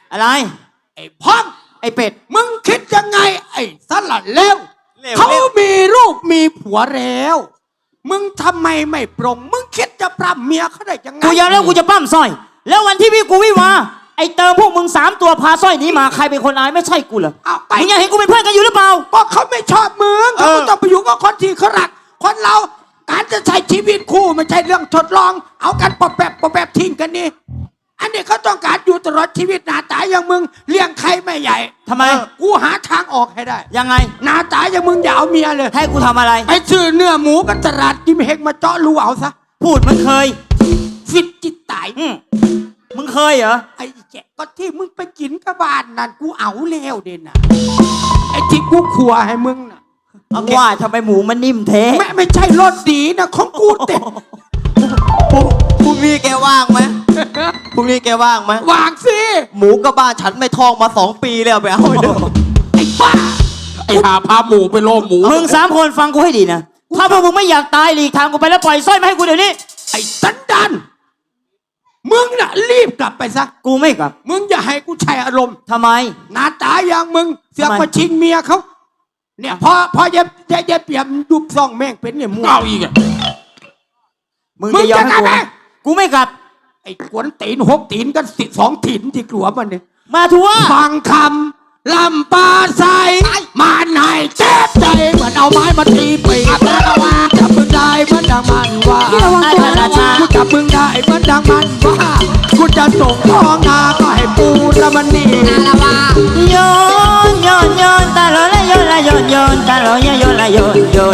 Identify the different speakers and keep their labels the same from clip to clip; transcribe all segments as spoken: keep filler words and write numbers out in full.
Speaker 1: อะไร
Speaker 2: ไอ้พ่อง
Speaker 1: ไอ้เป็ด
Speaker 2: มึงคิดยังไงไอ้สลัดเลวเขามีลูกมีผัวแล้วมึงทำไมไม่ปรงมึงคิดจะปรับเมียเขาได้ยังไง
Speaker 1: กูยอมแล้วกูจะปั้มสร้อยแล้ววันที่พี่กูวิวาไอ้เติมพวกมึงสามตัวพาสร้อยนี้มาใครเป็นคนอายไม่ใช่กูเหรอมึงยังเห็นกูเป็นเพื่อนกันอยู่หรือเปล่า
Speaker 2: ก็เขาไม่ชอบมึงเขาต้องไปอยู่กับคนที่เขารักคนเราการจะใช้ชีวิตคู่ไม่ใช่เรื่องทดลองเอากันปอบแบบปอบแบบทิ้งกันนี่อันนี้เขาต้องการอยู่ตลอดชีวิตหน้าตาอย่างมึงเลี้ยงใครไม่ใหญ่
Speaker 1: ทำไม
Speaker 2: กูหาทางออกให้ได้
Speaker 1: ยังไง
Speaker 2: หน้าตาอย่างมึงอย่าเอาเมียเลย
Speaker 1: ให้กูทำอะไร
Speaker 2: ไปซื้อเนื้อหมูกันตลาดกิมเฮกมาเจาะรูเอาซะ
Speaker 1: พูดมันเคย
Speaker 2: ฟิตจิตตาย
Speaker 1: มึงเคยเหรอ
Speaker 2: ไอ้แกก็ที่มึงไปกินกับบ้านนั่นกูเอาแล้วเด่นน่ะไอ้ที่กูขัวให้มึงน่ะ
Speaker 1: ว่าทำไมหมูมันนิ่มเท
Speaker 2: ไม่ไม่ใช่รสดีนะของกูเต็ม
Speaker 3: พรุ่งนี้แกว่างไหมพรุ่งนี้แกว่างไหม
Speaker 2: ว่างสิ
Speaker 3: หมูกับบ้านฉันไม่ทองมาสองปีแล้วไปเอาไปดู
Speaker 2: ไอ้บ้าไอ้หาพาหมูไปโลหมู
Speaker 1: มึงสามคนฟังกูให้ดีนะถ้าพวกมึงไม่อยากตายหลีกทางกูไปแล้วปล่อยสร้อยมาให้กูเดี๋ยวนี้
Speaker 2: ไอ้สันดานมึงน่ะรีบกลับไปซะ
Speaker 1: กูไม่กลับ
Speaker 2: มึงอย่าให้กูใช้อารมณ์
Speaker 1: ทำไม
Speaker 2: หน้าตาอย่างมึงเสือกมาชิงเมียเขาเนี่ยพอพอเย็บเย็บเปียมยุบซองแม่งเป็นเนี่ยมึงเอาอีกอ่ะ
Speaker 1: มึงจะยอมให้กูกูไม่กลับ
Speaker 2: ไอ้กวนตีนหกตีนกันสิสองตีนที่กลัวมันเนี่ย
Speaker 1: มาทัว
Speaker 2: ฟังคำลำปาใสมันให้เจ็บใจเหมือนเอาไม้มาตีปีกจับมึงได้เหมือนดังมันว่ากูจับมึงได้เหมือนดังมันว่ากูจะส่งท้องนาก็ให้ปูละมันนี่
Speaker 1: โยนโยนโยนตาลอยโยนละโยนโยนตาลอยโยนละโยนโยน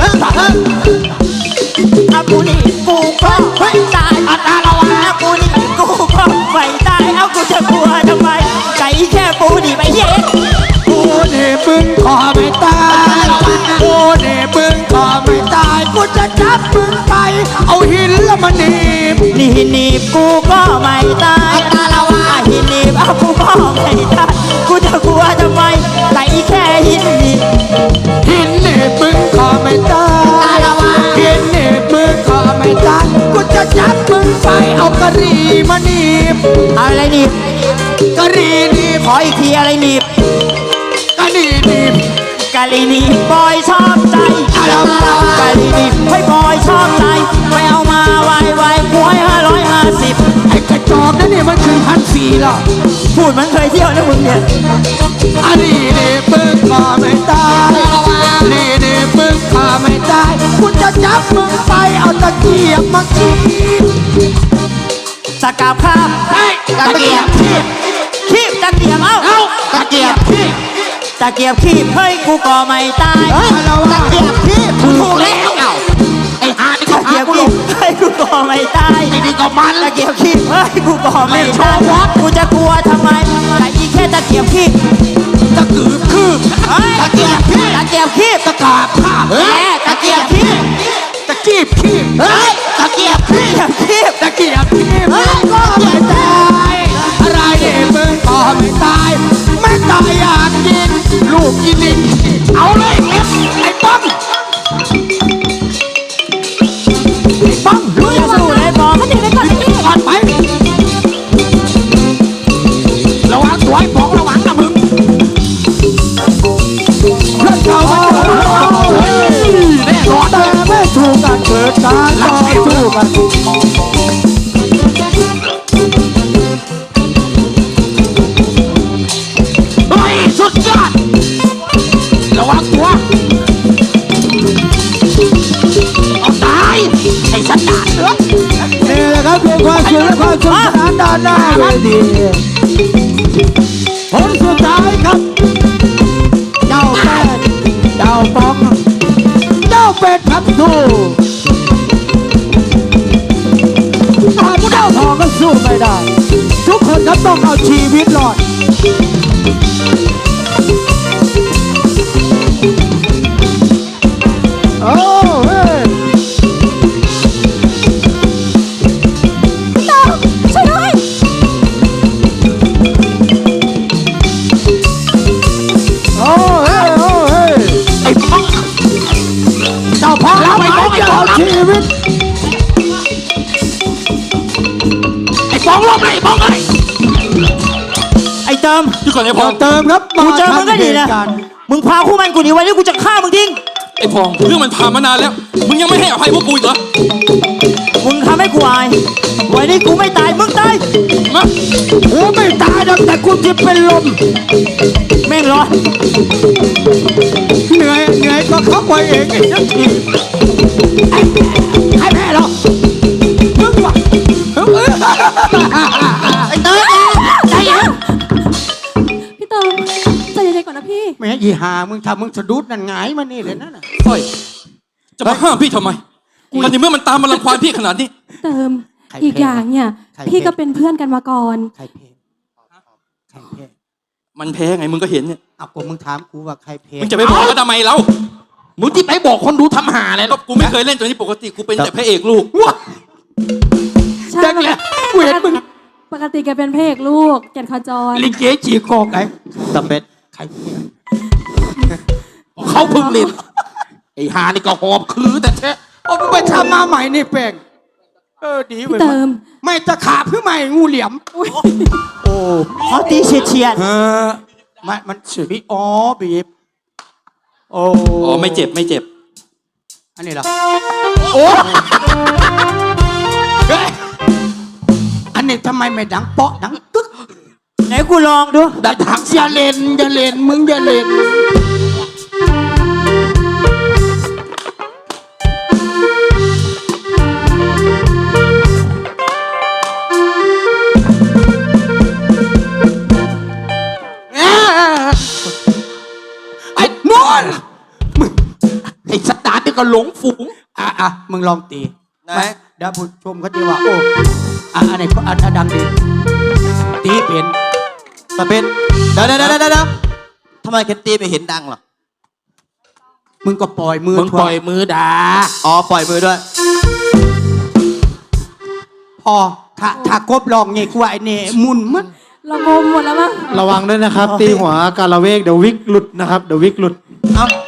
Speaker 1: อากูนี่กูก็ไฟตายอาตาละวะอากูนี่กูก็ไฟตายเอากูจะกลัวทำไมไก่แค่ปูนี่ไปเย็น
Speaker 2: กูนี่มึงขอไม่ตายกูนี่มึงขอไม่ตายกูจะจับมึงไปเอาหินละมันนีบ
Speaker 1: นี่หินนีบกูก็ไม่ตายอาตาละวะหินนีบเอากูก็ไม่ตายกูจะกลัวทำไมไก่แค่หินนีบ
Speaker 2: หินนีบมึงขอไม่ตายหินนีบมึงขอไม่ตายกูจะจับมึงไปเอากะหรี่มานีบ
Speaker 1: อะไรนีบ
Speaker 2: กะหรี่นีบ
Speaker 1: ขออีกทีอะไรนีบ
Speaker 2: กะหรี่นีบ
Speaker 1: กะหรี่นีบบอยชอบใจกะหรี่นีบให้บอยชอบใจไปเอามาไวไวหวยห้าร้อยห้าสิบ
Speaker 2: ไอ้กระจอกนั่นนี่มันคือพันสี่หรอ
Speaker 1: พูดมันเคยเที่ยวนะมึงเนี่ย
Speaker 2: อันนี้นี่มึงขอไม่ตายนี่นี่มึงขอไม่ตายกูจะจับมึงไปเอาตะเกียบมาขีบ
Speaker 1: ตะกาบข้าม
Speaker 2: ตะเกียบขีบ
Speaker 1: ขีบตะเกียบเอา
Speaker 2: เอาตะเกียบขีบ
Speaker 1: ตะเกียบขีบเฮ้ยกูก็ไม่ตาย
Speaker 2: ตะเกียบขีบถูกแล้วเอาไอ้หานี่ก็
Speaker 1: ตะเกียบขีบเฮ้ยกูก็ไม่ตาย
Speaker 2: นี่ก็มัน
Speaker 1: ตะเกียบขีบเฮ้ยกูก็ไม่ตายกูจะกลัวทำไมแต่อีแค่ตะเกียบขีบ
Speaker 2: ตะกืบคืบตะเกียบขีบ
Speaker 1: ตะเกียบขีบ
Speaker 2: ตะกาบข้า
Speaker 1: เฮ้ยตะเกียบขีบ
Speaker 2: ตะกีบขีบ
Speaker 1: เฮ้ยตะเกียบขีบขีบ
Speaker 2: ตะเกียบขีบก็ไม่ตายอะไรเนี่ยมึงก็ไม่ตายไม่ตายอยากกินลูกกินดินเอาเลยเล็บไอ้ป้องไอ้ป้อง
Speaker 1: รู้ยังสู้เลยบอกมันถึงได้ก่อนที่
Speaker 2: ก่อนไประวังตัวไอ้ป้องระวังนะมึงเพื่อนเขาแน่นอนแต่ไม่ถูกกันเกิดการต่อสู้กันเฮ้ยสุดยอดระวังตัวเอาตายไอ้สัตว์ด่าเหรอนี่แหละครับเป็นความสุขและความสุขสนานด้านหน้าเวทีผลสุดท้ายครับเจ้าเป็ดเจ้าปองเจ้าเป็ดครับสู้ตาเจ้าทองก็สู้ไม่ได้ทุกคนครับต้องเอาชีวิตรอดโอ้เฮ้ย
Speaker 1: ช่วยด้วย
Speaker 2: โอ้เฮ้ยโอ้เฮ้ยไอ้พ่อเจ้าพ่อเราไม่ต้องเอาชีวิตไอ้ปองลงไอ้ปองไอ้
Speaker 1: ไอ้เเติม
Speaker 4: ที่ก่อนไอ้พ
Speaker 2: ต่
Speaker 4: อ
Speaker 2: อง เติมครับ
Speaker 1: กูเจอมึงก็ดีนะ
Speaker 2: เหตุการณ์
Speaker 1: มึงพาคู่มันกูหนีไว้นี่กูจะฆ่ามึงทิ้ง
Speaker 4: ไอ้พองเรื่องมันผ่านมานานแล้ว มึงยังไม่ให้อภัยพวกกูอีกเหรอ
Speaker 1: มึงทำให้กูอายวันนี้กูไม่ตายมึงตาย
Speaker 4: มา
Speaker 2: กูไม่ตายหรอกแต่กูจะเป็นลม
Speaker 1: แม่งร้อน
Speaker 2: เหนื่อยเหนื่อยก็เข้าไปเองไอ้นักทีให้แพ้หรอมึงวะ
Speaker 1: ไอ้เติมใจเย็น
Speaker 5: พี่เติมใจเย็นๆก่อนนะพี่
Speaker 2: แม่ยีหามึงทำมึงสะดุดนั่นหงายมานี่เลยนั่นน่ะ
Speaker 4: สร้อยจะมาห้ามพี่ทำไมกันในเมื่อมันตามมาลังควานพี่ขนาดนี้
Speaker 5: เติมอีกอย่างเนี่ยพี่ก็เป็นเพื่อนกันมาก่อน
Speaker 2: ใครเพลงใครเพลง
Speaker 4: มันแพ้ไงมึงก็เห็นเนี่ย
Speaker 2: เอากูมึงถามกูว่าใครเพลง
Speaker 4: มึงจะไปบอกเขาทำไมเรา
Speaker 2: มึงที่ไปบอกคนดูทำหาอะไร
Speaker 4: ก็กูไม่เคยเล่นตัวนี้ปกติกูเป็นแต่พระเอกลูก
Speaker 2: ว้า
Speaker 5: ใช่
Speaker 2: จังเลยกูเห็นมึง
Speaker 5: ปกติแกเป็นพระเอกลูกแก่นขจร
Speaker 2: ลิเกจีโกกไง
Speaker 3: ตะเป็ด
Speaker 2: ใครเพลงเขาเพิ่งเล่นไอ้หานี่ก็หอบคือแต่แท้เอามึงไปทำมาใหม่นี่แป้งเออดี
Speaker 5: พี่
Speaker 2: เว้ย
Speaker 5: เติม
Speaker 2: ไม่ตะขาบเพื่อใหม่งูเหลี่ยม โอ้
Speaker 1: เขาตีเฉียดเฉียด
Speaker 2: เออมันมันบีอ๋อบีบโอ้
Speaker 4: อ๋อไม่เจ็บไม่เจ็บ
Speaker 2: อันนี้เหรอโอ้เฮ้ยอันนี้ทำไมไม่ดังเปาะดังตึ๊ก
Speaker 1: ไหนกูลองดู
Speaker 2: ดังถังอย่าเล่นอย่าเล่นมึงอย่าเล่นไอ้นวลมึงไอ้สตาร์ทนี่ก็หลงฝูงอ่ะอ่ะมึงลองตี
Speaker 3: ไหน
Speaker 2: ไม่เดี๋ยวผู้ชมเขาจะว่า โอ้อ่ะอันไหนก็อันอันดังดี ตีเป็น
Speaker 3: ตะเป็ดเดี๋ยวเดี๋ยวเดี๋ยวเดี๋ยวทำไมแคนตีไม่เห็นดังหรอ
Speaker 2: มึงก็ปล่อยมือ
Speaker 3: มึงปล่อยมือด่าอ๋อปล่อยมือด้วย
Speaker 2: พอถ้าถ้ากบลองเงี้ยกูว่าไอ้เนี่ยมุนมัน
Speaker 5: เรางมหมดแล้วมั้ง
Speaker 6: ระวังด้วยนะครับ ตีหัวการละเวกเดี๋ยววิกหลุดนะครับ เดี๋ยววิกหลุด
Speaker 3: เอ้า